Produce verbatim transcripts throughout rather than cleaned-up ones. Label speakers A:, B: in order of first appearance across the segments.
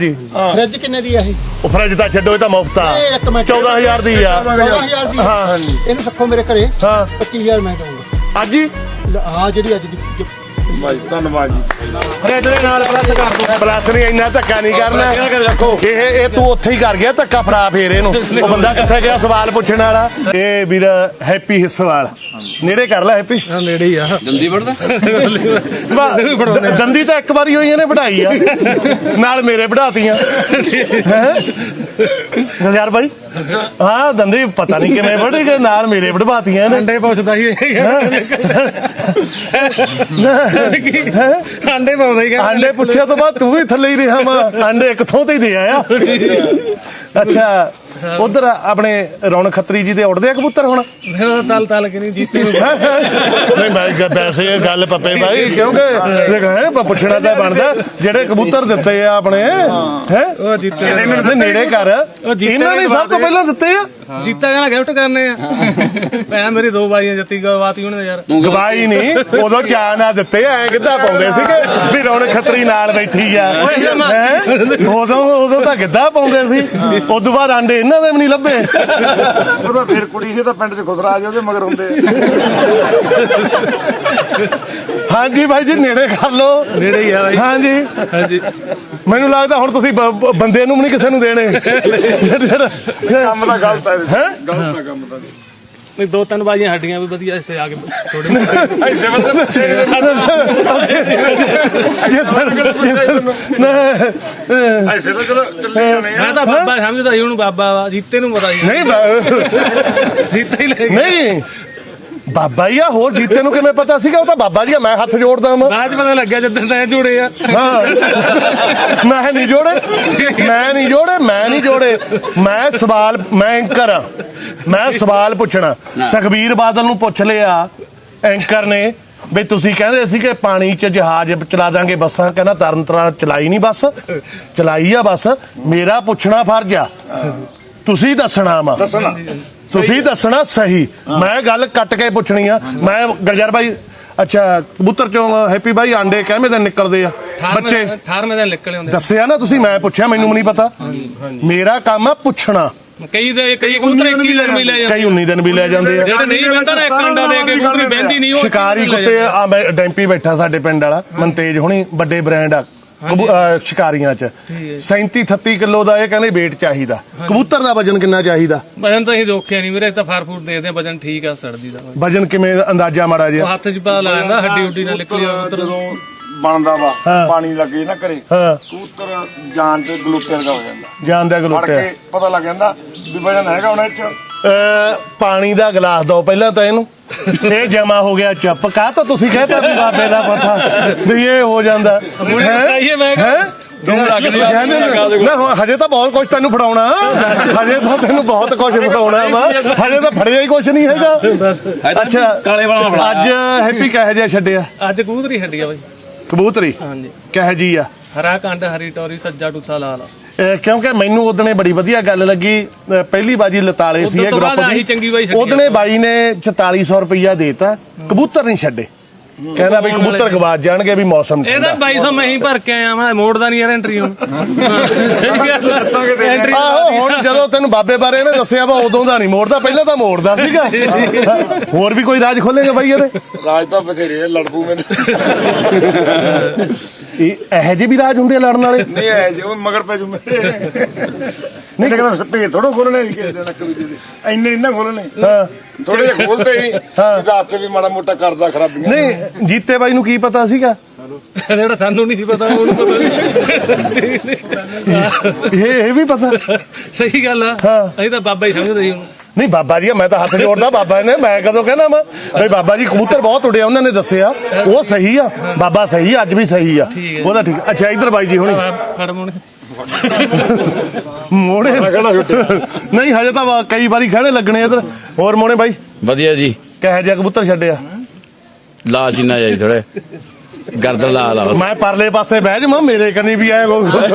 A: Fridge किन्ने दी है?
B: Fridge तो छो तो मुफ्त आ चौदह हजार दी आ
A: चौदह हजार दी हाँ इन्हू रखो मेरे घरे हाँ पच्चीस हजार मैं दूंगा
B: अज ही
A: हाँ जी अज
B: धन्यवाद जी प्लस नहीं इन्ना धक्का नहीं करना ये तू उत्थे ही कर गया धक्का फड़ा फिर इहनूं वो बंदा कित्थे गया सवाल पुछण वाला ये वीर हैप्पी हिस्सेवाल नेड़े कर ला हैप्पी
C: नेड़े ही आ दंदी
B: वढ़दा दंदी तो एक बारी होई ने बढ़ाई आ नाल मेरे बढ़ातियां यार भाई हाँ दंदी पता नहीं किवें बढ़ी गए नाल मेरे बढ़वातियां ने
C: अंडे पुछदा ही अंडे पाउंदा ही
B: अंडे पुछया तो बाद तू भी थल्ले ही रहा वा अंडे कित्थों ते दे आया अच्छा उधर अपने रौनक खत्री जी दे उड़दे आ कबूतर हुण
C: तल तल के नहीं जीते
B: नहीं मैं वैसे गल पप्पे भाई क्योंकि पुछना तो बनदा जेड़े कबूतर दित्ते आ अपने हैं
C: ओ जीते
B: नेड़े कर इन्हां ने सब तो पहला दित्ते आ
C: जीता कहना गिफ्ट करने आ भैन मेरी दो बाइयां जत्ती गवाती उन्हें यार
B: गवाई नहीं उदों चाह ना दित्ते ऐ किद्दां पाउंदे सीगे भी रौनक खत्री नाल बैठी आ उदों उदों तां गिद्धा पाउंदे सी उदों बाद आंडे इन्हां दे भी नहीं लभे
D: ਉਹਦਾ ਫੇਰ ਕੁੜੀ ਸੀ ਤਾਂ ਪਿੰਡ 'ਚ ਖੁਸਰਾ ਆ ਜਾ ਉਹਦੇ ਮਗਰ ਹੁੰਦੇ
B: हाँ जी भाई जी नेड़े कर लो
C: नेड़े ही है भाई
B: हाँ जी
C: हाँ जी
B: ਮੈਨੂੰ ਲੱਗਦਾ ਹੁਣ ਤੁਸੀਂ ਬੰਦੇ ਨੂੰ ਵੀ ਨਹੀਂ ਕਿਸੇ ਨੂੰ ਦੇਣੇ
D: ਕੰਮ ਤਾਂ ਗਲਤ ਹੈ ਗਲਤ ਹੈ ਕੰਮ ਤਾਂ
C: नहीं दो तीन बाजियां हड्डियां भी वधिया ऐसे आगे थोड़े
D: ऐसे मतलब ऐसे तो चलो चले जाने
C: मैं तो बाबा समझदा ही उन्हें बाबा जीते नूं पता ही
B: नहीं
C: जीते ही ले
B: नहीं ਬਾਬਾ ਜੀ ਆ ਹੋਰ ਜੀਤੇ ਨੂੰ ਕਿਵੇਂ ਪਤਾ ਸੀਗਾ ਉਹ ਤਾਂ ਬਾਬਾ ਜੀ ਆ ਮੈਂ ਹੱਥ ਜੋੜਦਾ ਮੈਂ
C: ਬਾਅਦ ਪਤਾ ਲੱਗਿਆ ਜਦੋਂ ਤੈਂ ਜੋੜੇ ਆ
B: ਹਾਂ ਮੈਂ ਨਹੀਂ ਜੋੜੇ ਮੈਂ ਨਹੀਂ ਜੋੜੇ ਮੈਂ ਨਹੀਂ ਜੋੜੇ ਮੈਂ ਸਵਾਲ ਮੈਂ ਐਂਕਰ ਆ ਮੈਂ ਸਵਾਲ ਪੁੱਛਣਾ ਸੁਖਬੀਰ ਬਾਦਲ ਨੂੰ ਪੁੱਛ ਲਿਆ ਐਂਕਰ ਨੇ ਵੀ ਤੁਸੀਂ ਕਹਿੰਦੇ ਸੀ ਕਿ ਪਾਣੀ 'ਚ ਜਹਾਜ਼ ਚਲਾ ਦਾਂਗੇ ਬੱਸਾਂ ਕਹਿੰਦਾ ਤਰਨ ਤਾਰਨ ਚਲਾਈ ਨਹੀਂ ਬੱਸ ਚਲਾਈ ਆ ਬੱਸ ਮੇਰਾ ਪੁੱਛਣਾ ਫਰਜ਼ ਆ ਤੁਸੀਂ ਦੱਸਣਾ ਵਾ ਤੁਸੀਂ ਦੱਸਣਾ ਸਹੀ ਮੈਂ ਗੱਲ ਕੱਟ ਕੇ ਪੁੱਛਣੀ ਆ ਮੈਂ ਗਲਜਰ ਭਾਈ ਅੱਛਾ ਕਬੂਤਰ ਚੋਂ ਹੈਪੀ ਭਾਈ ਆਂਡੇ ਕਿਵੇਂ ਦਿਨ ਨਿਕਲਦੇ ਆ ਬੱਚੇ
C: ਅਠਾਰਵੇਂ ਦਿਨ ਨਿਕਲੇ ਹੁੰਦੇ
B: ਦੱਸਿਆ ਨਾ ਤੁਸੀਂ ਮੈਂ ਪੁੱਛਿਆ ਮੈਨੂੰ ਵੀ ਨਹੀਂ ਪਤਾ ਮੇਰਾ ਕੰਮ ਆ ਪੁੱਛਣਾ
C: ਕਈ ਦੇ ਕਈ ਕਬੂਤਰ ਇੱਕੀ ਦਿਨ ਵੀ ਲੈ ਜਾਂਦੇ
B: ਕਈ ਉੱਨੀ ਦਿਨ ਵੀ ਲੈ ਜਾਂਦੇ ਆ
C: ਜਿਹੜੇ ਨਹੀਂ ਬਹਿੰਦਾ ਨਾ ਇੱਕ ਅੰਡਾ ਦੇ ਕੇ ਕਬੂਤਰੀ ਬਹਿੰਦੀ ਨਹੀਂ ਉਹ
B: ਸ਼ਿਕਾਰੀ ਕੁੱਤੇ ਆ ਮੈਂ ਡੈਂਪੀ ਬੈਠਾ ਸਾਡੇ ਪਿੰਡ ਵਾਲਾ ਮਨਤੇਜ ਹੁਣੀ ਵੱਡੇ ਬ੍ਰਾਂਡ ਆ ਸ਼ਿਕਾਰੀਆਂ ਚ ਸੈਂਤੀ ਅਠੱਤੀ ਕਿਲੋ ਦਾ ਇਹ ਕਹਿੰਦੇ weight ਚਾਹੀਦਾ ਕਬੂਤਰ ਦਾ ਵਜਨ ਕਿੰਨਾ ਚਾਹੀਦਾ
C: ਵਜਨ ਤਾਂ ਅਸੀਂ ਦੇਖਿਆ ਨਹੀਂ ਵੀਰੇ ਤਾਂ ਫਾਰ ਫੂਡ ਦੇਖਦੇ ਆ ਵਜਨ ਠੀਕ ਆ ਸੜਦੀ ਦਾ
B: ਵਜਨ ਕਿਵੇਂ ਅੰਦਾਜ਼ਾ ਮਾੜਾ ਜਿਹਾ
C: ਹੱਥ 'ਚ ਪਤਾ ਲੱਗ ਜਾਂਦਾ ਹੱਡੀ ਹੁੱਡੀ ਨਾਲ ਨਿਕਲੀ
D: ਜਦੋਂ ਬਣਦਾ ਵਾ ਪਾਣੀ ਲੱਗੇ ਨਾ ਘਰੇ ਕਬੂਤਰ ਜਾਨ ਤੇ ਗਲੂਕੋਜ਼ ਵਰਗਾ ਹੋ ਜਾਂਦਾ
B: ਜਾਨ ਦਾ
D: ਫੜ
B: ਗਲੂਕੋਜ਼
D: ਕੇ ਪਤਾ ਲੱਗ ਜਾਂਦਾ ਵੀ ਵਜਨ ਹੈਗਾ ਉਹਨਾਂ 'ਚ
B: ਪਾਣੀ ਦਾ ਗਲਾਸ ਦੋ ਪਹਿਲਾਂ ਤਾਂ ਇਹਨੂੰ ਇਹ ਜਮਾ ਹੋ ਗਿਆ ਚੁੱਪ ਕਾਹ ਤੋਂ ਤੁਸੀਂ ਕਹਿੰਦੇ ਵੀ ਬਾਬੇ ਦਾ ਪਤਾ ਵੀ ਇਹ ਹੋ ਜਾਂਦਾ ਹੈ ਨਾ ਹਜੇ ਤਾਂ ਬਹੁਤ ਕੁਝ ਤੈਨੂੰ ਫੜਾਉਣਾ ਹਜੇ ਤਾਂ ਤੈਨੂੰ ਬਹੁਤ ਕੁਝ ਫੜਾਉਣਾ ਵਾ ਹਜੇ ਤਾਂ ਫੜਿਆ ਹੀ ਕੁਝ ਨਹੀਂ ਹੈਗਾ ਅੱਛਾ ਅੱਜ ਹੈਪੀ ਕਿਹੋ ਜਿਹਾ ਛੱਡਿਆ
C: ਅੱਜ ਕਬੂਤਰੀ ਛੱਡੀ ਆ ਬਾਈ
B: ਕਬੂਤਰੀ
C: ਹਾਂਜੀ
B: ਕਿਹੋ ਜੀ ਆ
C: ਹਰਾ ਕੰਡ ਹਰੀ ਟੋਰੀ ਸੱਜਾ ਟੁੱਸਾ ਲਾਲ
B: ਕਿਉਂਕਿ ਮੈਨੂੰ ਉਹਦਨੇ ਬੜੀ ਵਧੀਆ ਗੱਲ ਲੱਗੀ ਪਹਿਲੀ ਬਾਜੀ ਲਤਾਲੇ ਸੀ ਇਹ ਗਰੁੱਪ ਦੀ ਉਹਦਨੇ ਬਾਈ ਨੇ ਚੁਤਾਲੀ ਸੌ ਰੁਪਇਆ ਦੇਤਾ ਕਬੂਤਰ ਨਹੀਂ ਛੱਡੇ ਕਹਿੰਦਾ ਵੀ ਕਬੂਤਰ ਗਵਾਚ ਜਾਣਗੇ ਵੀ ਮੌਸਮ
C: ਇਹਦਾ ਬਾਈ ਸੌ ਮੈਂ ਹੀ ਭਰ ਕੇ ਆਇਆ ਮੈਂ ਮੋੜਦਾ ਨਹੀਂ ਯਾਰ ਐਂਟਰੀ ਹੁਣ
B: ਆਹੋ ਹੁਣ ਜਦੋਂ ਤੈਨੂੰ ਬਾਬੇ ਬਾਰੇ ਇਹਨੇ ਦੱਸਿਆ ਵਾ ਉਦੋਂ ਦਾ ਨਹੀਂ ਮੋੜਦਾ ਪਹਿਲਾਂ ਤਾਂ ਮੋੜਦਾ ਸੀਗਾ ਹੋਰ ਵੀ ਕੋਈ ਰਾਜ ਖੋਲੇਗਾ ਬਾਈ ਇਹਦੇ
D: ਰਾਜ ਤਾਂ ਬਥੇਰੇ ਲੜਪੂ ਮੈਨੂੰ
B: ਇਹ ਇਹੋ ਜਿਹੇ ਵੀ ਰਾਜ ਹੁੰਦੇ ਆ ਲੜਨ ਵਾਲੇ
D: ਨਹੀਂ ਐ ਜੋ ਮਗਰ ਪੈ ਜੂ ਮੇਰੇ ਨਹੀਂ ਕਹਿੰਦਾ ਭੇਦ ਥੋੜੋ ਖੋਲਣੇ ਕਿਸੇ ਦੇ ਨੱਕ ਦੂਜੇ ਦੇ ਇੰਨੇ ਇੰਨਾ ਖੋਲਣੇ ਥੋੜੇ ਜਿਹੇ ਖੋਲਦੇ ਹੀ ਇਹਦਾ ਹੱਥ ਵੀ ਮਾੜਾ ਮੋਟਾ ਕਰਦਾ ਖਰਾਬੀਆਂ
B: ਨਹੀਂ ਜੀਤੇ ਬਾਈ ਨੂੰ ਕੀ ਪਤਾ ਸੀਗਾ
C: ਜਿਹੜਾ ਸਾਨੂੰ ਨਹੀਂ ਸੀ ਪਤਾ ਉਹਨੂੰ ਪਤਾ
B: ਇਹ ਇਹ ਵੀ ਪਤਾ
C: ਸਹੀ ਗੱਲ ਆ ਅਸੀਂ ਤਾਂ ਬਾਬਾ ਹੀ ਸਮਝਦੇ ਸੀ ਉਹਨੂੰ
B: ਨਹੀਂ ਬਾਬਾ ਜੀ ਮੈਂ ਤਾਂ ਹੱਥ ਜੋੜਦਾ ਬਾਬਾ ਨੇ ਮੈਂ ਕਦੋਂ ਕਹਿਣਾ ਵਾ ਬਈ ਬਾਬਾ ਜੀ ਕਬੂਤਰ ਬਹੁਤ ਉੜਿਆ ਉਹਨਾਂ ਨੇ ਦੱਸਿਆ ਉਹ ਸਹੀ ਆ ਬਾਬਾ ਸਹੀ ਅੱਜ ਵੀ ਸਹੀ ਆ ਉਹਦਾ ਠੀਕ ਅੱਛਾ ਇਧਰ ਬਾਈ ਜੀ ਹੁਣੀ
C: ਫੜ ਮੋਣੇ
B: ਮੋੜੇ ਨਹੀਂ ਹਜੇ ਤਾਂ ਕਈ ਵਾਰੀ ਖੜੇ ਲੱਗਣੇ ਇਧਰ ਹੋਰ ਮੋਣੇ ਬਾਈ
E: ਵਧੀਆ ਜੀ
B: ਕਿਹੋ ਜਿਹਾ ਕਬੂਤਰ ਛੱਡਿਆ
E: ਲਾਲ ਚੀਨਾ ਜਾਈ ਥੋੜੇ ਗਰਦਨ ਲਾ ਲਾ
B: ਮੈਂ ਪਰਲੇ ਪਾਸੇ ਬਹਿ ਜਾਵਾਂ ਮੇਰੇ ਕੰਨੀ ਵੀ ਆਏ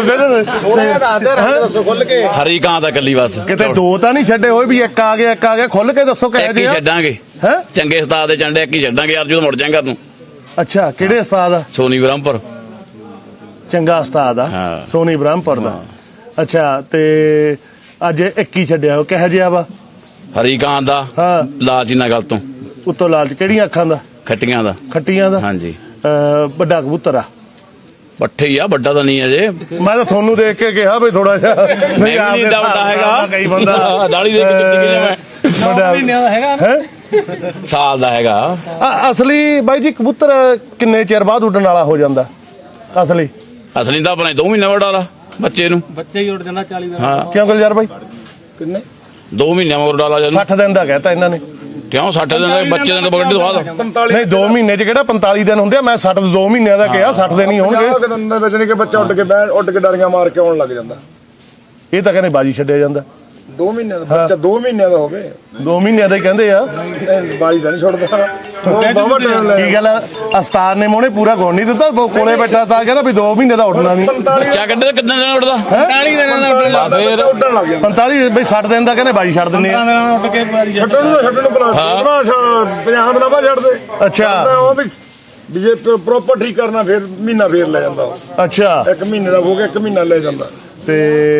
E: ਹਰੀ ਕਾਂ ਦਾ ਕੱਲੀ ਬਸ
B: ਕਿਤੇ ਦੋ ਤਾਂ ਨਹੀਂ ਛੱਡੇ ਹੋਏ ਵੀ ਇੱਕ ਆ ਗਿਆ ਇੱਕ ਆ ਗਿਆ ਖੁੱਲ ਕੇ ਦੱਸੋ ਕਿਹੋ
E: ਜਿਹਾ ਛੱਡਾਂਗੇ
B: ਹੈ
E: ਚੰਗੇ ਉਸਤਾਦ ਦੇ ਚੰਡੇ ਇੱਕ ਹੀ ਛੱਡਾਂਗੇ ਯਾਰ ਜਦੋਂ ਮੁੜ ਜਾਏਗਾ ਤੂੰ
B: ਅੱਛਾ ਕਿਹੜੇ ਉਸਤਾਦ
E: ਸੋਨੀ ਬ੍ਰਹਮਪੁਰ
B: ਚੰਗਾ ਉਸਤਾਦ ਆ
E: ਹਾਂ।
B: ਸੋਨੀ ਬ੍ਰਹਮਪੁਰ ਦਾ ਅੱਛਾ ਤੇ ਅੱਜ ਇੱਕੀ ਛੱਡਿਆ ਉਹ ਕਿਹੋ ਜਿਹਾ ਵਾ
E: ਹਰੀ ਕਾਂ ਦਾ
B: ਹਾਂ
E: ਲਾਲ ਚੀਨਾ ਗੱਲ ਤੋਂ
B: ਉੱਤੋਂ ਲਾਲਚ ਕਿਹੜੀਆਂ ਅੱਖਾਂ ਦਾ
E: ਖੱਟੀਆਂ ਦਾ
B: ਖੱਟੀਆਂ ਦਾ
E: ਹਾਂਜੀ
B: ਅਹ ਵੱਡਾ ਕਬੂਤਰ ਆ
E: ਪੱਠੇ ਹੀ ਆ ਵੱਡਾ ਤਾਂ ਨਹੀਂ ਅਜੇ
B: ਮੈਂ ਤਾਂ ਤੁਹਾਨੂੰ ਦੇਖ ਕੇ ਕਿਹਾ ਵੀ ਥੋੜਾ ਜਿਹਾ
E: ਮੈਂ ਵੀ ਨਹੀਂ ਏਡਾ ਵੱਡਾ ਹੈਗਾ
B: ਕਈ ਬੰਦਾ
E: ਦਾੜੀ ਦੇ ਵਿੱਚ ਚਿੱਟੀ ਕਿਹਨੇ ਮੈਂ
B: ਵੱਡਾ
C: ਮਹੀਨਿਆਂ ਦਾ ਹੈਗਾ
B: ਹੈ
E: ਸਾਲ ਦਾ ਹੈਗਾ
B: ਅ- ਅਸਲੀ ਬਾਈ ਜੀ ਕਬੂਤਰ ਕਿੰਨੇ ਚਿਰ ਬਾਅਦ ਉੱਡਣ ਵਾਲਾ ਹੋ ਜਾਂਦਾ ਅਸਲੀ
E: ਅਸਲੀ ਤਾਂ ਆਪਣੇ ਦੋ ਮਹੀਨੇ ਵੱਡਾ ਲਾ ਬੱਚੇ ਨੂੰ
C: ਬੱਚੇ ਹੀ ਉੱਡ ਜਾਂਦਾ ਚਾਲੀ ਦਾ
E: ਹਾਂ
B: ਕਿਉਂ ਗੁਲਜ਼ਾਰ ਬਾਈ
D: ਕਿੰਨੇ
E: ਦੋ ਮਹੀਨੇ ਮਗਰ ਡਾਲਾ ਜਦੋਂ
B: ਸੱਠ ਦਿਨ ਦਾ ਕਹਿਤਾ ਇਹਨਾਂ ਨੇ
E: ਕਿਉਂ ਸੱਠ ਦਿਨ ਦੇ ਬੱਚੇ ਦਿਨ ਤੋਂ ਬਗੜ ਤੋਂ ਬਾਅਦ
D: ਪੰਤਾਲੀ
B: ਨਹੀਂ ਦੋ ਮਹੀਨੇ ਚ ਕਿਹੜਾ ਪੰਤਾਲੀ ਦਿਨ ਹੁੰਦੇ ਆ ਮੈਂ ਸੱਠ ਦੋ ਮਹੀਨਿਆਂ ਦਾ ਕਿਹਾ ਸੱਠ ਦਿਨ ਹੀ ਹੋਣਗੇ
D: ਪੰਜਾਹ ਦਿਨ ਦੇ ਵਿੱਚ ਨਹੀਂ ਕਿ ਬੱਚਾ ਉੱਡ ਕੇ ਬਹਿ ਉੱਡ ਕੇ ਡਾਰੀਆਂ ਮਾਰ ਕੇ ਆਉਣ ਲੱਗ ਜਾਂਦਾ
B: ਇਹ ਤਾਂ ਕਹਿੰਦੇ ਬਾਜੀ ਛੱਡਿਆ ਜਾਂਦਾ
D: ਦੋ ਮਹੀਨਿਆਂ ਦਾ ਬੱਚਾ ਦੋ ਮਹੀਨਿਆਂ ਦਾ ਹੋਵੇ
B: ਦੋ ਮਹੀਨਿਆਂ ਦਾ ਹੀ ਕਹਿੰਦੇ ਆ
D: ਇਹ ਬਾਜੀ ਦਾ ਨਹੀਂ ਛੁੱਟਦਾ ਉਹ ਬਾਬਾ ਟਾਈਮ ਲੈ
B: ਕੀ ਗੱਲ ਆ, ਅਸਤਾਰ ਨੇ ਮੋਹਣੇ ਪੂਰਾ ਗੁਣ ਨਹੀਂ ਦਿੱਤਾ ਉਹ ਕੋਲੇ ਬੈਠਾ ਤਾਂ ਕਹਿੰਦਾ ਵੀ ਦੋ ਮਹੀਨੇ ਦਾ ਉੱਠਣਾ ਨਹੀਂ
D: ਪੰਤਾਲੀ
E: ਬੱਚਾ ਕੱਢੇ ਕਿੰਨੇ ਦਿਨ ਉੱਡਦਾ
C: ਚਾਲੀ ਦਿਨਾਂ ਦਾ ਉੱਡ ਜਾਂਦਾ
E: ਫੇਰ
D: ਉੱਡਣ ਲੱਗ ਜਾਂਦਾ
B: ਪੰਤਾਲੀ ਬਈ ਸੱਠ ਦਿਨ ਦਾ ਕਹਿੰਦੇ ਬਾਜੀ ਛੱਡ ਦਿੰਦੇ ਆ
C: ਦਿਨਾਂ ਉੱਡ ਕੇ ਬਾਰੀ ਜਾਂਦਾ
D: ਛੱਡਣ ਨੂੰ ਛੱਡਣ ਨੂੰ ਬਣਾ ਪੰਜਾਹ ਦਿਨਾਂ ਬਾਅਦ ਛੱਡ ਦੇ
B: ਅੱਛਾ
D: ਉਹ ਵੀ ਵੀ ਜੇ ਪ੍ਰੋਪਰ ਠੀਕ ਕਰਨਾ ਫਿਰ ਮਹੀਨਾ ਫੇਰ ਲੈ ਜਾਂਦਾ ਉਹ।
B: ਅੱਛਾ
D: ਇੱਕ ਮਹੀਨੇ ਦਾ ਹੋ ਗਿਆ ਇੱਕ ਮਹੀਨਾ ਲੈ ਜਾਂਦਾ
B: ਤੇ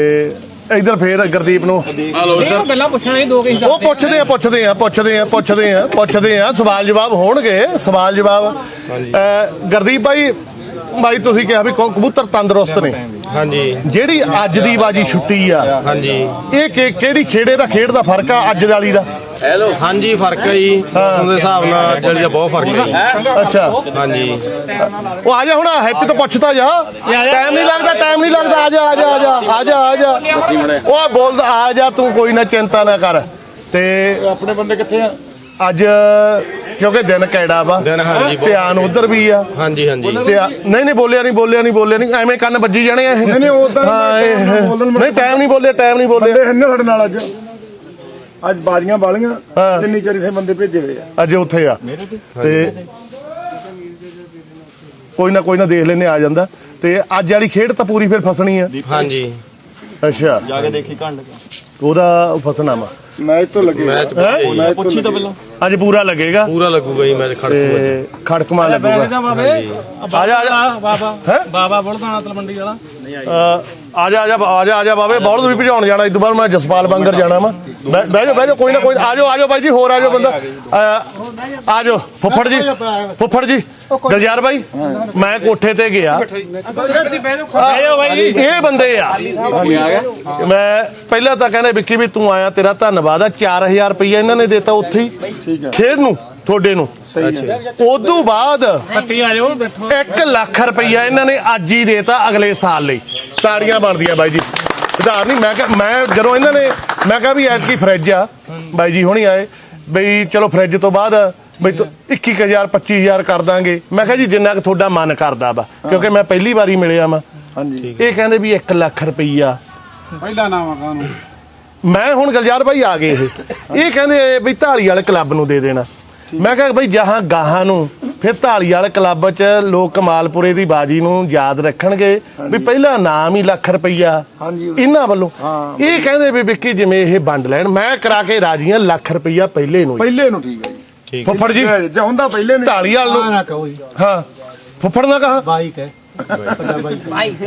B: ਇਧਰ ਫੇਰ ਗੁਰਦੀਪ ਨੂੰ
E: ਹਲੋ
C: ਇਹ ਗੱਲਾਂ ਪੁੱਛਣਾ ਇਹ ਦੋ ਕਿਸੇ
B: ਉਹ ਪੁੱਛਦੇ ਆ ਪੁੱਛਦੇ ਆ ਪੁੱਛਦੇ ਆ ਪੁੱਛਦੇ ਆ ਪੁੱਛਦੇ ਆ ਸਵਾਲ ਜਵਾਬ ਹੋਣਗੇ ਸਵਾਲ ਜਵਾਬ ਅਹ ਗੁਰਦੀਪ ਭਾਈ ਭਾਈ ਤੁਸੀਂ ਕਿਹਾ ਵੀ ਕ- ਕਬੂਤਰ ਤੰਦਰੁਸਤ ਨੇ
F: ਹਾਂਜੀ
B: ਜਿਹੜੀ ਅੱਜ ਦੀ ਬਾਜੀ ਛੁੱਟੀ ਆ
F: ਹਾਂਜੀ
B: ਇਹ ਕਿ- ਕਿਹੜੀ ਖੇੜੇ ਦਾ ਖੇਡ ਦਾ ਫਰਕ ਆ ਅੱਜ ਵਾਲੀ ਦਾ
F: ਹਾਂਜੀ ਫਰਕ ਹੈ ਜੀ ਮੌਸਮ ਦੇ ਹਿਸਾਬ ਨਾਲ ਅੱਜ ਦਾ ਬਹੁਤ ਫਰਕ ਹੈ ਜੀ
B: ਅੱਛਾ
F: ਹਾਂਜੀ
B: ਉਹ ਆ ਜਾ ਹੁਣ ਹੈਪੀ ਤੋਂ ਪੁੱਛਦਾ ਜਾ ਟਾਈਮ ਨਹੀਂ ਲੱਗਦਾ ਟਾਈਮ ਨਹੀਂ ਲੱਗਦਾ ਆ ਜਾ ਆ ਜਾ ਆ ਜਾ ਆ ਜਾ ਆ ਜਾ ਉਹ ਬੋਲਦਾ ਆ ਜਾ ਤੂੰ ਕੋਈ ਨਾ ਚਿੰਤਾ ਨਾ ਕਰ ਤੇ
D: ਆਪਣੇ ਬੰਦੇ ਕਿੱਥੇ ਆ
B: ਅੱਜ ਕਿਉਂਕਿ ਦਿਨ ਕਿਹੜਾ ਵਾ
F: ਦਿਨ ਹਾਂਜੀ ਬਹੁਤ-
B: ਧਿਆਨ ਉਧਰ ਵੀ ਆ
F: ਹਾਂਜੀ ਹਾਂਜੀ
B: ਤੇ ਆ- ਨਹੀਂ ਨਹੀਂ ਬੋਲਿਆ ਨਹੀਂ ਬੋਲਿਆ ਨਹੀਂ ਬੋਲਿਆ ਨਹੀਂ ਐਵੇਂ ਕੰਨ ਵੱਜੀ ਜਾਣੇ ਆ ਇਹ
D: ਨਹੀਂ, ਨਹੀਂ, ਉੱਦਾਂ ਨਹੀਂ,
B: ਹਾਂ, ਇਹ-
D: ਟਾਈਮ ਨਾਲ ਬੋਲਣ
B: ਨਹੀਂ ਟਾਈਮ ਨਹੀਂ ਬੋਲਿਆ ਟਾਈਮ ਨਹੀਂ ਬੋਲਿਆ
D: ਬੰਦੇ ਹਨ ਸਾਡੇ ਨਾਲ ਅੱਜ ਅੱਜ ਬਾਜ਼ੀਆਂ ਵਾਲੀਆਂ
B: ਹਾਂ।
D: ਜਿੰਨੀ ਚਿਰ ਇਥੇ ਬੰਦੇ ਭੇਜੇ ਹੋਏ ਆ
B: ਅੱਜ ਉੱਥੇ ਆ ਤੇ ਕੋਈ ਨਾ ਕੋਈ ਨਾ ਦੇਖ ਲੈਨੇ ਆ ਜਾਂਦਾ ਤੇ ਅੱਜ ਵਾਲੀ ਖੇਡ ਤਾਂ ਪੂਰੀ ਫਿਰ ਫਸਣੀ ਆ
F: ਹਾਂਜੀ
B: ਅੱਛਾ
F: ਜਾ ਕੇ ਦੇਖੀ ਘੰਡ
B: ਉਹਦਾ ਫਸਣਾ ਵਾ
D: ਮੈਚ ਤੋਂ ਲੱਗੇ
F: ਮੈਚ
B: ਹੈਂ?
D: ਮੈਚ
F: ਪੁੱਛੀ ਤਾਂ ਪਹਿਲਾਂ
B: ਅੱਜ ਪੂਰਾ ਲੱਗੇਗਾ
F: ਪੂਰਾ ਲੱਗੂਗਾ ਜੀ ਮੈਚ ਖੜਕੂਗਾ ਜੀ
B: ਤੇ ਖੜਕਮਾ
C: ਬੈਠ
B: ਲੱਗੂਗਾ
C: ਜਾ ਬਾਬੇ
B: ਆ ਜਾ, ਆ ਜਾ।
C: ਬਾਬਾ
B: ਹੈਂ?
C: ਬਾਬਾ ਬੁਲਦਾਣਾ ਤਲਵੰਡੀ ਵਾਲਾ
B: ਅਹ ਆ ਜਾ ਆ ਜਾ ਆ ਜਾ ਆ ਜਾ ਬਾਬੇ ਬੌਲਦ ਵੀ ਭਜਾਉਣ ਜਾਣਾ ਇਸ ਤੋਂ ਬਾਅਦ ਮੈਂ ਜਸਪਾਲ ਬੰਗਰ ਜਾਣਾ ਵਾ ਬਹਿ ਬਹਿ ਜਾਓ ਬਹਿ ਜਾਓ ਕੋਈ ਨਾ ਕੋਈ ਆ ਜਾਓ ਆ ਜਾਓ ਬਾਈ ਜੀ ਹੋਰ ਆ ਜਾਓ ਬੰਦਾ ਅਹ ਆ ਜਾਓ ਫੁੱਫੜ ਜੀ ਫੁੱਫੜ ਜੀ ਗਲਜਾਰ ਬਾਈ ਮੈਂ ਕੋਠੇ ਤੇ ਗਿਆ ਇਹ ਬੰਦੇ ਆ ਮੈਂ ਪਹਿਲਾਂ ਤਾਂ ਕਹਿੰਦੇ ਵਿੱਕੀ ਵੀ ਤੂੰ ਆਇਆ ਤੇਰਾ ਧੰਨਵਾਦ ਆ ਚਾਰ ਹਜ਼ਾਰ ਰੁਪਈਆ ਇਹਨਾਂ ਨੇ ਦਿੱਤਾ ਉੱਥੇ ਹੀ ਖੇਡ ਨੂੰ ਤੁਹਾਡੇ ਨੂੰ ਉਦੋਂ ਬਾਅਦ
C: ਪੱਟੀ ਆ ਜਾਓ ਬੈਠੋ
B: ਇੱਕ ਲੱਖ ਰੁਪਈਆ ਇਹਨਾਂ ਨੇ ਅੱਜ ਹੀ ਦੇਤਾ ਅਗਲੇ ਸਾਲ ਲਈ ਤਾੜੀਆਂ ਬਣਦੀਆਂ ਬਾਈ ਜੀ ਉਧਾਰ ਨਹੀਂ ਮੈਂ ਕਿਹਾ ਮੈਂ ਜਦੋਂ ਇਹਨਾਂ ਨੇ ਮੈਂ ਕਿਹਾ ਵੀ ਐਤਕੀ ਫਰਿੱਜ ਆ ਬਾਈ ਜੀ ਹੁਣੀ ਆਏ ਬਈ ਚਲੋ ਫਰਿੱਜ ਤੋਂ ਬਾਅਦ ਬਈ ਇੱਕੀ ਹਜ਼ਾਰ ਪੱਚੀ ਹਜ਼ਾਰ ਕਰ ਦਾਂਗੇ ਮੈਂ ਕਿਹਾ ਜੀ ਜਿੰਨਾ ਕੁ ਤੁਹਾਡਾ ਮਨ ਕਰਦਾ ਵਾ ਕਿਉਂਕਿ ਮੈਂ ਪਹਿਲੀ ਵਾਰੀ ਮਿਲਿਆ ਵਾ
D: ਹਾਂਜੀ
B: ਇਹ ਕਹਿੰਦੇ ਵੀ ਇੱਕ ਲੱਖ ਰੁਪਈਆ
A: ਪਹਿਲਾ ਨਾਮ ਆ ਕਾਨੂੰ
B: ਮੈਂ ਹੁਣ ਗਲਜਾਰ ਭਾਈ ਆ ਗਏ ਇਹ ਇਹ ਕਹਿੰਦੇ ਵੀ ਢਾਲੀ ਵਾਲੇ ਕਲੱਬ ਨੂੰ ਦੇ ਦੇਣਾ ਮੈਂ ਕਿਹਾ ਬਈ ਜਹਾਂ ਗਾਹਾਂ ਨੂੰ ਫਿਰ ਢਾਲੀ ਵਾਲੇ ਕਲੱਬ 'ਚ ਲੋਕ ਕਮਾਲਪੁਰੇ ਦੀ ਬਾਜੀ ਨੂੰ ਯਾਦ ਰੱਖਣਗੇ ਵੀ ਪਹਿਲਾ ਨਾਮ ਹੀ ਲੱਖ ਰੁਪਈਆ
D: ਹਾਂਜੀ।
B: ਇਹਨਾਂ ਵੱਲੋਂ ਇਹ ਕਹਿੰਦੇ ਵੀ ਵਿੱਕੀ ਜਿਵੇਂ ਇਹ ਵੰਡ ਲੈਣ ਮੈਂ ਕਰਾ ਕੇ ਰਾਜੀਆਂ ਲੱਖ ਰੁਪਈਆ ਪਹਿਲੇ ਨੂੰ
D: ਪਹਿਲੇ ਨੂੰ ਠੀਕ ਹੈ ਜੀ
F: ਠੀਕ
B: ਫੁੱਫੜ ਜੀ
D: ਜੇ ਹੁੰਦਾ ਪਹਿਲੇ ਨੂੰ
B: ਢਾਲੀ ਵਾਲ
A: ਆ
B: ਨੂੰ
A: ਨਾ ਕਹੋ ਜੀ
B: ਹਾਂ ਫੁੱਫੜ ਨਾ ਕਹਾ
A: ਬਾਈਕ ਹੈ ਵੱਡਾ ਬਾਈਕ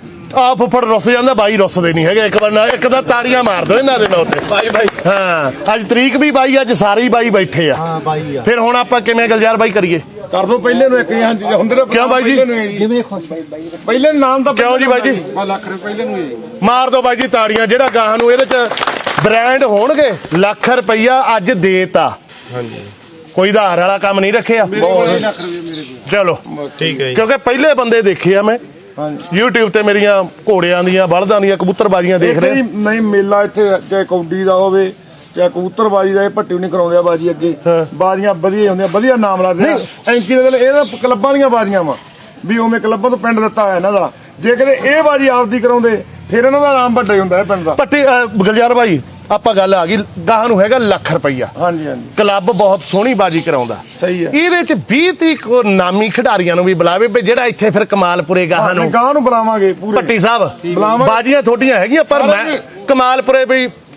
B: ਆ ਫੁੱਫੜ ਰੁੱਸ ਜਾਂਦਾ ਬਾਈ ਰੁੱਸਦੇ ਨਹੀਂ ਹੈਗੇ ਇੱਕ ਵਾਰ ਨਾ ਇੱਕ ਤਾਂ ਤਾੜੀਆਂ ਮਾਰ ਦੋ ਇਹਨਾਂ ਦੇ ਨਾਲ ਉੱਤੇ
E: ਬਾਈ ਬਾਈ
B: ਹਾਂ ਅੱਜ ਤਰੀਕ ਵੀ ਬਾਈ ਅੱਜ ਸਾਰੇ ਹੀ ਬਾਈ ਬੈਠੇ ਆ
A: ਹਾਂ ਬਾਈ ਆ
B: ਫਿਰ ਹੁਣ ਆਪਾਂ ਕਿਵੇਂ ਗਲਜਾਰ ਬਾਈ ਕਰੀਏ
D: ਕਰ ਦੋ ਪਹਿਲੇ ਨੂੰ ਇੱਕ ਹਾਂਜੀ ਹੁੰਦੇ ਨੇ
B: ਕਿਉਂ ਬਾਈ ਜੀ?
D: ਪਹਿਲੇ ਨੂੰ ਹੈ ਜੀ।
A: ਜਿਵੇਂ ਖੁਸ਼
D: ਪਹਿਲੇ ਨਾਮ ਤਾਂ
B: ਕਿਉਂ ਜੀ ਬਾਈ ਜੀ
A: ਆ ਲੱਖ ਰੁਪਏ ਪਹਿਲੇ ਨੂੰ ਹੀ
B: ਮਾਰ ਦੋ ਬਾਈ ਜੀ ਤਾੜੀਆਂ ਜਿਹੜਾ ਗਾਹਾਂ ਨੂੰ ਇਹਦੇ ਚ ਬ੍ਰਾਂਡ ਹੋਣਗੇ ਲੱਖ ਰੁਪਈਆ ਅੱਜ ਦੇਤਾ
F: ਹਾਂਜੀ
B: ਕੋਈ ਆਧਾਰ ਵਾਲਾ ਕੰਮ ਨਹੀਂ ਰੱਖਿਆ
A: ਮੇਰੇ ਲੱਖ ਰੁਪਏ ਮੇਰੇ ਕੋਲ
B: ਚਲੋ
F: ਠੀਕ ਹੈ ਜੀ
B: ਕਿਉਂਕਿ ਪਹਿਲੇ ਬੰਦੇ ਦੇਖੇ ਆ ਮੈਂ
D: ਹਾਂਜੀ
B: YouTube ਤੇ ਮੇਰੀਆਂ ਘੋੜਿਆਂ ਦੀਆਂ ਬਲਦਾਂ ਦੀਆਂ ਕਬੂਤਰਬਾਜ਼ੀਆਂ ਦੇਖ
D: ਇੱਥੇ
B: ਰਹੇ
D: ਹੀ ਨਹੀਂ ਮੇਲਾ ਇੱਥੇ ਚਾਹੇ ਕੌਡੀ ਦਾ ਹੋਵੇ ਚਾਹੇ ਕਬੂਤਰਬਾਜੀ ਦਾ ਇਹ ਭੱਟੀ ਨਹੀਂ ਕਰਾਉਂਦੇ ਆ ਬਾਜੀ ਅੱਗੇ ਬਾਜ਼ੀਆਂ ਵਧੀਆ ਹੁੰਦੀਆਂ ਵਧੀਆ ਨਾਮ ਲੱਗਦੇ ਆ ਐਂਕੀ ਦੇ ਇਹ ਤਾਂ ਕਲੱਬਾਂ ਦੀਆਂ ਬਾਜ਼ੀਆਂ ਵਾ ਵੀ ਉਵੇਂ ਕਲੱਬਾਂ ਤੋਂ ਪਿੰਡ ਦਿੱਤਾ ਹੋਇਆ ਇਹਨਾਂ ਦਾ ਜੇ ਕਦੇ ਇਹ ਬਾਜੀ ਆਪਦੀ ਕਰਾਉਂਦੇ ਫਿਰ ਇਹਨਾਂ ਦਾ ਨਾਮ ਵੱਡਾ ਹੀ ਹੁੰਦਾ ਹੈ ਪਿੰਡ ਦਾ
B: ਪੱਟੀ ਅਹ, ਗਲਜਾਰ ਭਾਈ ਆਪਾਂ ਗੱਲ ਆ ਗਈ ਗਾਹਾਂ ਨੂੰ ਹੈਗਾ ਲੱਖ ਰੁਪਈਆ
D: ਹਾਂਜੀ ਹਾਂਜੀ
B: ਕਲੱਬ ਬਹੁਤ ਸੋਹਣੀ ਬਾਜੀ ਕਰਾਉਂਦਾ
D: ਸਹੀ ਹੈ
B: ਇਹਦੇ ਚ ਵੀਹ ਤੀਹ ਕੋ ਨਾਮੀ ਖਿਡਾਰੀਆਂ ਨੂੰ ਵੀ ਬੁਲਾਵੇ ਵੀ ਜਿਹੜਾ ਇੱਥੇ ਫਿਰ ਕਮਾਲਪੁਰੇ ਗਾਹਾਂ ਨੂੰ
D: ਗਾਂ ਨੂੰ ਬੁਲਾਵਾਂਗੇ ਪੂਰੇ
B: ਪੱਟੀ ਸਾਹਿਬ
D: ਬੁਲਾਵਾਂਗੇ।
B: ਬਾਜੀਆਂ ਥੋਡੀਆਂ ਹੈਗੀਆਂ ਪਰ ਮੈਂ ਕਮਾਲਪੁਰੇ ਵੀ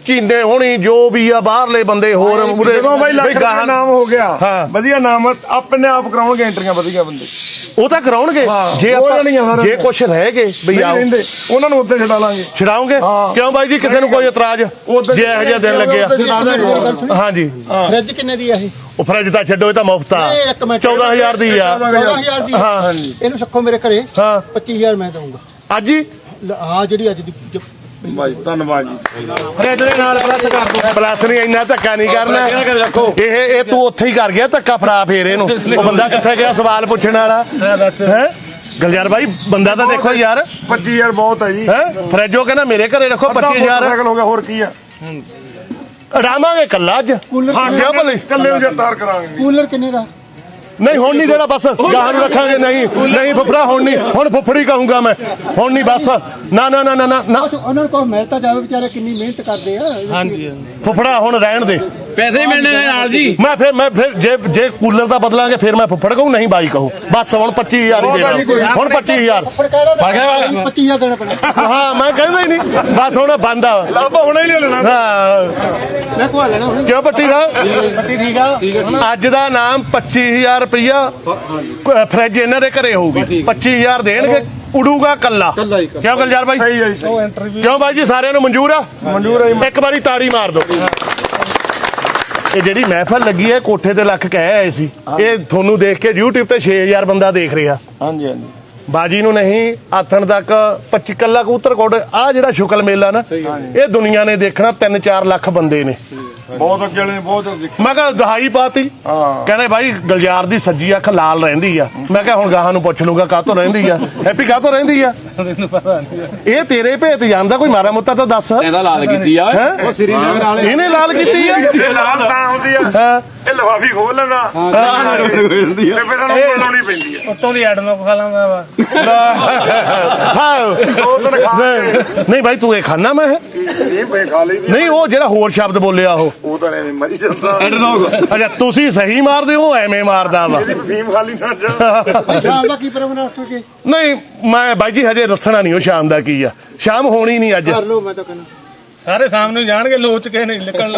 B: ਚੀਨੇ ਹੋਣੀ ਜੋ ਵੀ ਆ ਬਾਹਰਲੇ ਬੰਦੇ ਹੋਰ ਉਰੇ-
D: ਜਦੋਂ ਬਾਈ ਲੱਖ
B: ਬਈ
D: ਰੁਪਏ
B: ਗਾਹਾਂ-
D: ਨਾਮ ਹੋ ਗਿਆ
B: ਹਾਂ।
D: ਵਧੀਆ ਨਾਮ ਆ, ਆਪਣੇ ਆਪ ਕਰਾਉਣਗੇ ਐਂਟਰੀਆਂ ਵਧੀਆ ਬੰਦੇ
B: ਉਹ ਤਾਂ ਕਰਾਉਣਗੇ
D: ਹਾਂ,
B: ਜੇ
D: ਹੋ
B: ਆਪਾਂ
D: ਜਾਣੀਆਂ ਸਾਰਿਆਂ
B: ਜੇ
D: ਦੀਆਂ।
B: ਕੁਛ ਰਹਿ ਗਏ ਬਈ
D: ਨਹੀਂ
B: ਆਓ
D: ਰਹਿੰਦੇ ਉਹਨਾਂ ਨੂੰ ਉੱਤੇ ਛਡਾ ਲਾਂਗੇ
B: ਛਡਾਉਂਗੇ
D: ਹਾਂ।
B: ਕਿਉਂ ਬਾਈ ਜੀ ਕਿਸੇ ਨੂੰ ਕੋਈ ਇਤਰਾਜ਼
D: ਉੱਧਰ
B: ਜੇ ਇਹੋ ਜਿਹਾ ਦਿਨ ਲੱਗਿਆ ਹਾਂਜੀ
A: ਫ੍ਰਿਜ ਕਿੰਨੇ ਦੀ ਆ ਇਹ
B: ਉਹ ਫਰਿੱਜ ਤਾਂ ਛੱਡੋ ਇਹ ਤਾਂ ਮੁਫਤ ਆ
A: ਇਹ ਇੱਕ ਮਿੰਟ
B: ਚੌਦਾਂ ਹਜ਼ਾਰ ਦੀ ਆ
A: ਚੌਦਾਂ ਹਜ਼ਾਰ ਦੀ
B: ਹਾਂ
A: ਇਹਨੂੰ ਰੱਖੋ ਮੇਰੇ ਘਰੇ
B: ਹਾਂ
A: ਪੱਚੀ ਹਜ਼ਾਰ ਮੈਂ ਦਊਂਗਾ
B: ਅੱਜ ਹੀ
A: ਹਾਂ ਜਿਹੜੀ ਅੱਜ ਦੀ ਜ-
D: ਬਾਈ ਧੰਨਵਾਦ ਜੀ
C: ਫਰਿੱਜ ਦੇ ਨਾਲ ਪਲੱਸ ਕਰ ਦੋ
B: ਪਲੱਸ ਨਹੀਂ ਇੰਨਾ ਧੱਕਾ ਨਹੀਂ ਕਰਨਾ ਇਹ ਇਹ ਤੂੰ ਉੱਥੇ ਹੀ ਕਰ ਗਿਆ ਧੱਕਾ ਫੜਾ ਫੇਰ ਇਹਨੂੰ ਉਹ ਬੰਦਾ ਕਿੱਥੇ ਗਿਆ ਸਵਾਲ ਪੁੱਛਣ ਵਾਲਾ ਹੈ ਗਲਜਾਰ ਭਾਈ ਬੰਦਾ ਤਾਂ ਦੇਖੋ ਯਾਰ
D: ਪੱਚੀ ਹਜ਼ਾਰ ਬਹੁਤ ਹੈ ਜੀ
B: ਹੈ ਫਰਿੱਜੋ ਕਹਿੰਦਾ ਮੇਰੇ ਘਰੇ ਰੱਖੋ ਪੱਚੀ ਹਜ਼ਾਰ
D: ਸਾਈਕਲ ਹੋ ਗਿਆ ਹੋਰ ਕੀ ਆ
B: ਅੜਾਵਾਂਗੇ ਕੱਲਾ ਅੱਜ
A: ਕੂਲਰ
B: ਹਾਂ ਕਿਉਂ ਭਲੇ
D: ਕੱਲੇ ਨੂੰ ਜਤਾਰ ਕਰਾਂਗੇ
A: ਕੂਲਰ ਕਿੰਨੇ ਦਾ
B: ਨਹੀਂ ਹੁਣ ਨਹੀਂ ਦੇਣਾ ਬਸ ਗਾਹਾਂ ਨੂੰ ਰੱਖਾਂਗੇ ਨਹੀਂ ਨਹੀਂ ਫੁੱਫੜਾ ਹੁਣ ਨਹੀਂ ਹੁਣ ਫੁੱਫੜੀ ਕਹੂੰਗਾ ਮੈਂ ਹੁਣ ਨਹੀਂ ਬਸ ਨਾ ਨਾ ਨਾ ਨਾ ਨਾ ਨਾ
A: ਅੱਛਾ, ਉਹਨਾਂ ਨੂੰ ਕੋਈ ਮਿਲ ਤਾਂ ਜਾਵੇ ਵਿਚਾਰੇ ਕਿੰਨੀ ਮਿਹਨਤ ਕਰਦੇ ਆ
C: ਹਾਂਜੀ
B: ਫੁੱਫੜਾ ਹੁਣ ਰਹਿਣ ਦੇ
E: ਪੈਸੇ ਹੀ ਮਿਲਣੇ ਨੇ ਨਾਲ ਜੀ
B: ਮੈਂ ਫਿਰ ਮੈਂ ਫਿਰ ਜੇ ਜੇ ਕੂਲਰ ਦਾ ਬਦਲਾਂਗੇ ਫਿਰ ਮੈਂ ਫੁੱਫੜ ਕਹੂੰ ਨਹੀਂ ਬਾਈ ਕਹੂੰ ਬਸ ਹੁਣ ਪੱਚੀ ਹਜ਼ਾਰ ਹੀ ਦੇਣਾ ਹੁਣ ਪੱਚੀ ਹਜ਼ਾਰ
A: ਪੱਚੀ ਹਜ਼ਾਰ ਦੇਣਾ ਪੈਣਾ
B: ਹਾਂ ਮੈਂ ਕਹਿੰਦਾ ਹੀ ਨਹੀਂ ਬਸ ਹੁਣ ਬੰਦ ਆ
D: ਲਾਭਾ ਹੁਣੇ ਹੀ ਲੈ ਲੈਣਾ
B: ਹਾਂ
A: ਮੈਂ ਖਵਾ ਲੈਣਾ ਹੁਣ
B: ਕਿਉਂ ਪੱਟੀ ਦਾ
C: ਪੱਟੀ ਠੀਕ ਆ
B: ਅੱਜ ਦਾ ਨਾਮ ਪੱਚੀ ਹਜ਼ਾਰ ਰੁਪਇਆ ਫਰਿੱਜ ਇਹਨਾਂ ਦੇ ਘਰੇ ਹੋਊਗੀ ਪੱਚੀ ਹਜ਼ਾਰ ਦੇਣਗੇ ਉਡੂਗਾ ਕੱਲਾ
A: ਕੱਲਾ ਹੀ ਕੱਲਾ।
B: ਕਿਉਂ ਗਲਜਾਰ ਬਾਈ
D: ਸਹੀ ਹੈ ਜੀ ਸਹੀ।
C: ਇੰਟਰਵਿਊ
B: ਕਿਉਂ ਬਾਈ ਜੀ ਸਾਰਿਆਂ ਨੂੰ ਮਨਜ਼ੂਰ ਆ
D: ਮਨਜ਼ੂਰ ਹੈ ਜੀ।
B: ਇੱਕ ਵਾਰੀ ਤਾੜੀ ਮਾਰ ਦਿਓ ਇਹ ਜਿਹੜੀ ਮਹਿਫਲ ਲੱਗੀ ਹੈ ਕੋਠੇ ਤੇ ਲੱਖ ਕਹਿ ਆਏ ਸੀ ਇਹ ਤੁਹਾਨੂੰ ਦੇਖ ਕੇ YouTube ਤੇ ਛੇ ਹਜ਼ਾਰ ਬੰਦਾ ਦੇਖ ਰਿਹਾ
D: ਹਾਂਜੀ ਹਾਂਜੀ
B: ਬਾਜੀ ਨੂੰ ਨਹੀਂ ਆਥਣ ਤੱਕ ਪੱਚੀ ਕੱਲਾ ਕਬੂਤਰ ਕੋਡ ਆ ਜਿਹੜਾ ਸ਼ੁਕਲ ਮੇਲਾ ਨਾ ਇਹ ਦੁਨੀਆ ਨੇ ਦੇਖਣਾ ਤਿੰਨ ਚਾਰ ਲੱਖ ਬੰਦੇ ਨੇ
D: ਬਹੁਤ ਅੱਗੇ ਵਾਲੇ ਨੇ ਬਹੁਤ ਦੇਖੀ
B: ਮੈਂ ਕਿਹਾ ਦਹਾਈ ਪਾਤੀ
D: ਹਾਂ।
B: ਕਹਿੰਦੇ ਭਾਈ ਗਲਜਾਰ ਦੀ ਸੱਜੀ ਅੱਖ ਲਾਲ ਰਹਿੰਦੀ ਆ ਮੈਂ ਕਿਹਾ ਹੁਣ ਗਾਹਾਂ ਨੂੰ ਪੁੱਛ ਲੂਗਾ ਕਾਹਤੋਂ ਰਹਿੰਦੀ ਆ ਹੈਪੀ ਕਾਹਤੋਂ ਰਹਿੰਦੀ ਆ
C: ਤੈਨੂੰ ਪਤਾ ਨਹੀਂ
B: ਇਹ ਤੇਰੇ ਭੇਤ ਜਾਣਦਾ ਕੋਈ ਮਾੜਾ ਮੋਟਾ ਤਾਂ ਦੱਸ
E: ਇਹਦਾ ਲਾਲ ਕੀਤੀ ਆ
B: ਹੈਂ? ਇਹਨੇ ਲਾਲ ਕੀਤੀ ਆ
D: ਇਹ ਲਾਲ ਤਾਂ ਹੁੰਦੀ ਆ
B: ਹਾਂ
D: ਇਹ ਲਫਾਫੀ ਖੋਲ ਲੈਂਦਾ ਤੇ ਫਿਰ ਇਹਨਾਂ ਨੂੰ ਬਣਾਉਣੀ ਪੈਂਦੀ ਆ
C: ਉੱਤੋਂ ਦੀ ਐਡ ਨੂੰ ਖਾ ਲਾਂਦਾ ਵਾ
B: ਹਾਂ
D: ਉਹ ਤਾਂ ਖਾ ਕੇ
B: ਨਹੀਂ ਭਾਈ ਤੂੰ ਇਹ ਖਾਣਾ ਮੈਂ ਇਹ?
D: ਇਹ ਬੇ ਖਾ ਲਈ
B: ਨਹੀਂ ਉਹ ਜਿਹੜਾ ਹੋਰ ਸ਼ਬਦ ਬੋਲਿਆ ਉਹ
D: ਉਹ ਤਾਂ ਐਵੇਂ ਮਰੀ ਜਾਂਦਾ
B: ਅੱਛਾ ਤੁਸੀਂ ਸਹੀ ਮਾਰਦੇ ਹੋ ਐਵੇਂ ਮਾਰਦਾ ਵਾ
D: ਇਹਦੀ ਫੀਮ ਖਾਲੀ ਨਾ ਜਾ
A: ਸ਼ਾਮ ਦਾ ਕੀ ਪ੍ਰੋਗਰਾਮ ਰੱਖ ਕੇ
B: ਨਹੀਂ ਮੈਂ ਬਾਈ ਜੀ ਹਜੇ ਦੱਸਣਾ ਨਹੀਂ ਉਹ ਸ਼ਾਮ ਦਾ ਕੀ ਆ ਸ਼ਾਮ ਹੋਣੀ ਨਹੀਂ ਅੱਜ
A: ਕਰ ਲਓ ਮੈਂ ਤਾਂ ਕਹਿੰਦਾ
C: ਸਾਰੇ ਸਾਹਮਣੇ ਜਾਣਗੇ ਲੋਚ ਕੇ ਨਹੀਂ ਨਿਕਲਣਾ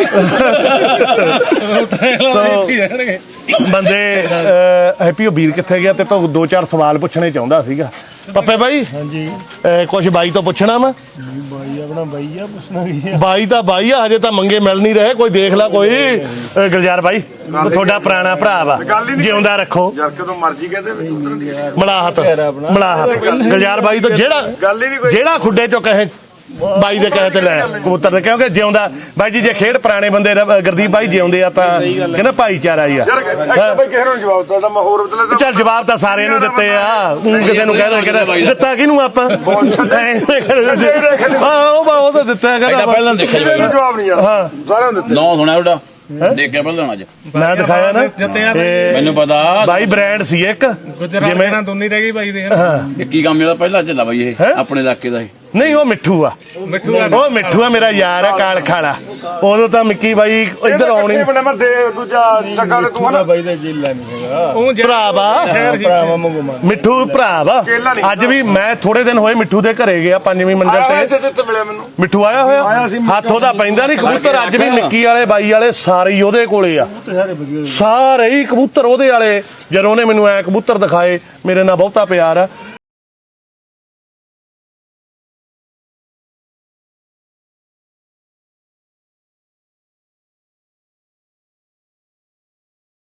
C: ਇੱਥੇ ਜਾਣਗੇ
B: ਬੰਦੇ ਅਹ, ਹੈਪੀ ਉਹ ਵੀਰ ਕਿੱਥੇ ਗਿਆ ਤੇ ਤੋਂ ਦੋ ਚਾਰ ਸਵਾਲ ਪੁੱਛਣੇ ਚਾਹੁੰਦਾ ਸੀਗਾ ਪੱਪੇ ਬਾਈ ਹਾਂਜੀ ਕੁਝ ਬਾਈ ਤੋਂ ਪੁੱਛਣਾ ਮੈਂ
F: ਬਾਈ ਆਪਣਾ ਬਾਈ ਆ ਪੁੱਛਣਾ ਕੀ
B: ਬਾਈ ਤਾਂ ਬਾਈ ਆ ਹਜੇ ਤਾਂ ਮੰਗੇ ਮਿਲ ਨਹੀਂ ਰਹੇ ਕੋਈ ਦੇਖ ਲੈ ਕੋਈ ਅਹ, ਗਲਜਾਰ ਬਾਈ ਉਹ ਤੁਹਾਡਾ ਪੁਰਾਣਾ ਭਰਾ ਵਾ
D: ਗੱਲ ਹੀ ਨਹੀਂ
B: ਜਿਉਂਦਾ ਰੱਖੋ
D: ਯਾਰ ਕਦੋਂ ਮਰਜੀ ਕਹਦੇ ਵੀ ਉਤਰਨ ਦੀ
B: ਮਲਾਹਤ ਮਲਾਹਤ ਗਲਜਾਰ ਬਾਈ ਤੋਂ ਜਿਹੜਾ
D: ਗੱਲ ਹੀ ਨਹੀਂ ਕੋਈ
B: ਜਿਹੜਾ ਖੁੱਡੇ ਚੋਂ ਕਹੇ ਬਾਈ ਦੇ ਕਹੇ ਤੇ ਲੈ ਕਬੂਤਰ ਦੇ ਕਿਉਂਕਿ ਜਿਉਂਦਾ ਬਾਈ ਜੀ ਜੇ ਖੇਡ ਪੁਰਾਣੇ ਬੰਦੇ ਰ- ਗੁਰਦੀਪ ਬਾਈ ਜਿਉਂਦੇ ਆ ਤਾਂ ਕਹਿੰਦਾ ਭਾਈਚਾਰਾ ਹੀ ਆ
D: ਯਾਰ ਇੱਕ ਬਈ ਕਿਸੇ ਨੂੰ ਜਵਾਬ ਦਿੱਤਾ ਮੈਂ ਹੋਰ ਬਦਲੇ ਤਾਂ
B: ਚੱਲ ਜਵਾਬ ਤਾਂ ਸਾਰਿਆਂ ਨੂੰ ਦਿੱਤੇ ਆ ਊਂ ਕਿਸੇ ਨੂੰ ਕਹਿੰਦਾ ਕਹਿੰਦਾ ਦਿੱਤਾ ਕਿਹਨੂੰ ਆਪਾਂ ਹਾਂ ਉਹ ਉਹ ਤਾਂ ਦਿੱਤਾ
E: ਐਡਾ
B: ਕਹਿੰਦਾ
E: ਪਹਿਲਾਂ ਦੇਖਿਆ
D: ਕਿਸੇ ਨੂੰ ਜਵਾਬ ਨਹੀਂ ਯਾਰ
B: ਹਾਂ।
D: ਸਾਰਿਆਂ ਨੂੰ ਦਿੱਤੇ
E: ਨੌ ਸੁਣਿਆ ਉਹਦਾ ਦੇਖਿਆ ਪਹਿਲਾਂ ਅੱਜ
B: ਮੈਂ ਦਿਖਾਇਆ ਨਾ
C: ਜਿੱਤਿਆ
B: ਇਹ
E: ਮੈਨੂੰ ਪਤਾ
B: ਬਾਈ ਬ੍ਰਾਂਡ ਸੀ ਇੱਕ
C: ਗੁਜਰਾਤ
B: ਜਿਵੇਂ
C: ਨਾਲ ਦੁਨੀ ਰਹਿ ਗਈ ਬਾਈ ਦੇ
E: ਇਹ ਕੀ ਕੰਮ ਜਿਹੜਾ ਪਹਿਲਾਂ ਚੱਲਾ ਬਾਈ ਇਹ
B: ਹੈਂ?
E: ਆਪਣੇ ਇਲਾਕੇ ਦਾ ਇਹ
B: ਨਹੀਂ ਉਹ ਮਿੱਠੂ ਆ
C: ਮਿੱਠੂ ਆ
B: ਉਹ ਮਿੱਠੂ ਆ ਮੇਰਾ ਯਾਰ ਆ ਕਾਲ ਖਾਲਾ ਉਦੋਂ ਤਾਂ ਮਿੱਕੀ ਬਾਈ ਇੱਧਰ ਆਉਣੀ
D: ਬਣੇ ਮੈਂ ਦੇ ਦੂਜਾ ਚੱਕਾ ਤੇ ਤੂੰ ਹਨਾ
F: ਬਾਈ ਦਾ ਜੇਲਾ ਨਹੀਂ ਹੈਗਾ
C: ਉਹ ਜਿਹੜਾ
B: ਭਰਾ ਵਾ
F: ਭਰਾਵਾ ਮੰਗੋ ਮਾਰ
B: ਮਿੱਠੂ ਭਰਾ ਵਾ
D: ਕੇਲਾ ਨਹੀਂ।
B: ਅੱਜ ਵੀ ਮੈਂ ਥੋੜੇ ਦਿਨ ਹੋਏ ਮਿੱਠੂ ਦੇ ਘਰੇ ਗਿਆ ਪੰਜਵੀਂ ਮੰਜ਼ਲ
D: ਆਇਆ
B: ਤੇ
D: ਇਸੇ ਤੇ ਮਿਲਿਆ ਮੈਨੂੰ
B: ਮਿੱਠੂ ਆਇਆ
D: ਆਇਆ
B: ਹੋਇਆ
D: ਸੀ।
B: ਹੱਥ ਉਹਦਾ ਪੈਂਦਾ ਨਹੀਂ ਕਬੂਤਰ ਅੱਜ ਵੀ ਮਿੱਕੀ ਵਾਲੇ ਬਾਈ ਵਾਲੇ ਸਾਰੇ ਹੀ ਉਹਦੇ ਕੋਲੇ ਆ
F: ਸਾਰੇ ਵਧੀਆ
B: ਸਾਰੇ ਹੀ ਕਬੂਤਰ ਉਹਦੇ ਵਾਲੇ ਜਦੋਂ ਉਹਨੇ ਮੈਨੂੰ ਐ ਕਬੂਤਰ ਦਿਖਾਏ ਮੇਰੇ ਨਾਲ ਬਹੁਤਾ ਪਿਆਰ ਆ